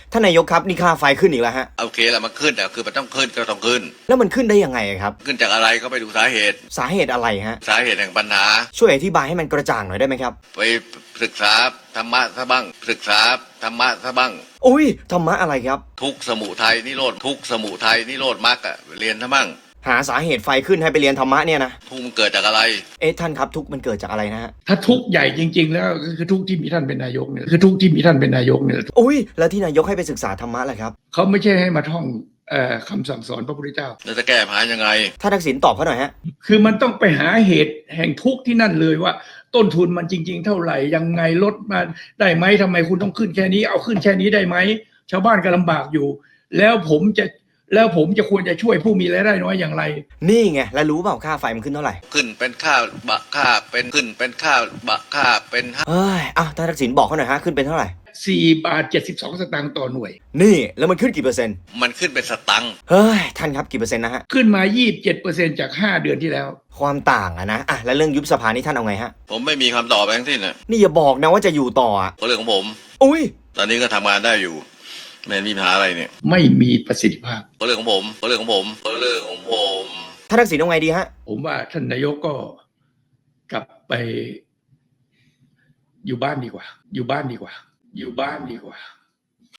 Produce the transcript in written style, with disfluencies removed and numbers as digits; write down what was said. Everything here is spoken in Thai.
ท่านนายกครับนี่ค่าไฟขึ้นอีกแล้วฮะโอเคแล้วมันขึ้นแต่คือมันต้องขึ้นก็ต้องขึ้นแล้วมันขึ้นได้ยังไงครับขึ้นจากอะไรก็ไปดูสาเหตุสาเหตุอะไรฮะสาเหตุแห่งปัญหาช่วยอธิบายให้มันกระจ่างหน่อยได้ไหมครับไปศึกษาธรรมะซะบ้างศึกษาธรรมะซะบ้างอุ้ยธรรมะอะไรครับทุกสมุทัยนิโรธทุกสมุทัยนิโรธมรรคเรียนซะบ้างหาสาเหตุไฟขึ้นให้ไปเรียนธรรมะเนี่ยนะทุกมันเกิดจากอะไรท่านครับทุกมันเกิดจากอะไรนะฮะถ้าทุกใหญ่จริงๆแล้วคือทุกที่มีท่านเป็นนายกเนี่ยคือทุกที่มีท่านเป็นนายกเนี่ยอุ้ยแล้วที่นายกให้ไปศึกษาธรรมะแหละครับเขาไม่ใช่ให้มาท่องคำสั่งสอนพระพุทธเจ้าแล้วจะแก้ปัญหายังไงท่านทักษิณตอบเขาหน่อยฮะคือมันต้องไปหาเหตุแห่งทุกข์ที่นั่นเลยว่าต้นทุนมันจริงๆเท่าไหร่ยังไงลดมาได้ไหมทำไมคุณต้องขึ้นแค่นี้เอาขึ้นแค่นี้ได้ไหมชาวบ้านก็ลำบากอยู่แล้วผมจะควรจะช่วยผู้มีรายได้น้อยอย่างไรนี่ไงแล้วรู้เปล่าค่าไฟมันขึ้นเท่าไหร่ขึ้นเป็นค่าบะค่าเป็นขึ้นเป็นค่าบะค่าเป็นท่านทักษิณบอกเขาหน่อยฮะขึ้นเป็นเท่าไหร่ 4.72 บาทต่อหน่วยนี่แล้วมันขึ้นกี่เปอร์เซ็นต์มันขึ้นเป็นสตังค์ท่านครับกี่เปอร์เซ็นต์นะฮะขึ้นมา 27% จาก5 เดือนที่แล้วความต่างอะนะแล้วเรื่องยุบสภานี่ท่านเอาไงฮะผมไม่มีคำตอบไปทั้งสิ้นนะนี่อย่าบอกนะว่าจะอยู่ต่อก็เรื่องของผมอุ้ยตอนนี้ก็ทำงานได้อยู่ไม่มีปัญหาอะไรเนี่ยไม่มีประสิทธิภาพก็เรื่องของผมก็เรื่องของผมก็เรื่องของผมท่านทักษิณเอาไงดีฮะผมว่าท่านนายกก็กลับไปอยู่บ้านดีกว่าอยู่บ้านดีกว่าอยู่บ้านดีกว่า